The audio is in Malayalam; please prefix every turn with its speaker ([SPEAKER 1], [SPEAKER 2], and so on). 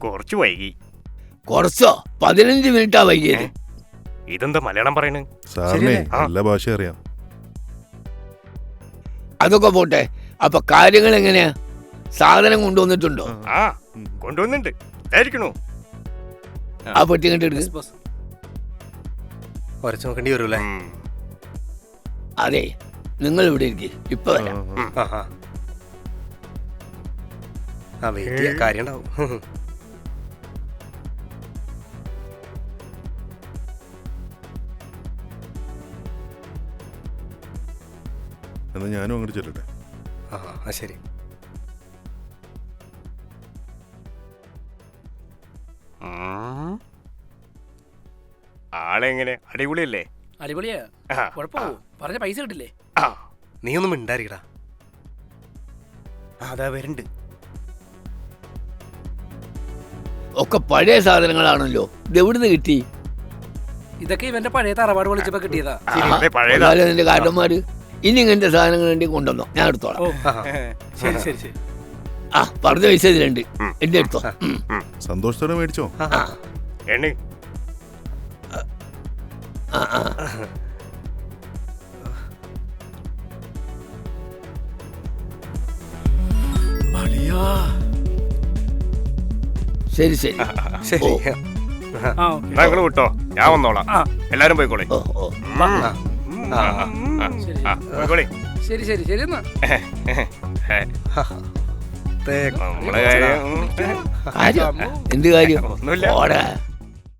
[SPEAKER 1] കുറച്ച് വൈകി.
[SPEAKER 2] കുറച്ചോ? 15 മിനിറ്റാ വൈകിയത്.
[SPEAKER 1] ഇതെന്താ മലയാളം പറയണ്?
[SPEAKER 3] സാറിനെ നല്ല ഭാഷ അറിയാം.
[SPEAKER 2] അതൊക്കെ പോട്ടെ, അപ്പൊ കാര്യങ്ങൾ എങ്ങനെയാ? സാധനം കൊണ്ടുവന്നിട്ടുണ്ടോ?
[SPEAKER 1] ആ കൊണ്ടുവന്നിട്ടുണ്ട്. ഇതായിരിക്കണു.
[SPEAKER 2] ആ പെട്ടി കണ്ടിട്ട്
[SPEAKER 4] കുറച്ച് നോക്കേണ്ടി വരൂല്ലേ?
[SPEAKER 2] അതെ, നിങ്ങൾ ഇവിടെ ഇരിക്കും, ഇപ്പൊ വരാം.
[SPEAKER 4] ആ വെയിറ്റ് ചെയ്യാൻ കാര്യം ഉണ്ടാവും.
[SPEAKER 3] എന്നാ ഞാനും അങ്ങോട്ട് ചെല്ലട്ടെ.
[SPEAKER 4] ആ ശരി.
[SPEAKER 1] ആളെങ്ങനെ? അടിപൊളിയല്ലേ?
[SPEAKER 5] അടിപൊളിയാ. കുഴപ്പമോ? പറഞ്ഞ പൈസ കിട്ടില്ലേ?
[SPEAKER 4] നീ ഒന്നും മിണ്ടായിരിക്കടാ.
[SPEAKER 1] അതാ വരണ്ട്.
[SPEAKER 2] ഒക്കെ പഴയ സാധനങ്ങളാണല്ലോ, ഇത് എവിടുന്ന് കിട്ടി?
[SPEAKER 5] ഇതൊക്കെ ഇവന്റെ പഴയ തറവാട് വിളിച്ചപ്പോ കിട്ടിയതാ.
[SPEAKER 2] നിന്റെ കാരണന്മാര് ഇനി ഇങ്ങനത്തെ സാധനങ്ങൾ വേണ്ടി കൊണ്ടുവന്നോ, ഞാൻ എടുത്തോളാം.
[SPEAKER 5] ശരി ശരി ശരി.
[SPEAKER 2] ആ പറഞ്ഞ പൈസ ഇതിലുണ്ട്, എന്റെ എടുത്തോ.
[SPEAKER 3] സന്തോഷത്തോടെ മേടിച്ചോ.
[SPEAKER 1] എണ്ണി.
[SPEAKER 2] ശരി ശരി
[SPEAKER 4] ശരി.
[SPEAKER 1] ഞങ്ങൾ വിട്ടോ, ഞാൻ വന്നോളാം. എല്ലാരും പോയിക്കോളെ. പോയിക്കോളെ.
[SPEAKER 5] ശരി ശരി ശരി. എന്നാ
[SPEAKER 1] നമ്മളെ കാര്യം
[SPEAKER 2] എന്ത് കാര്യം?
[SPEAKER 1] ഒന്നുമില്ല.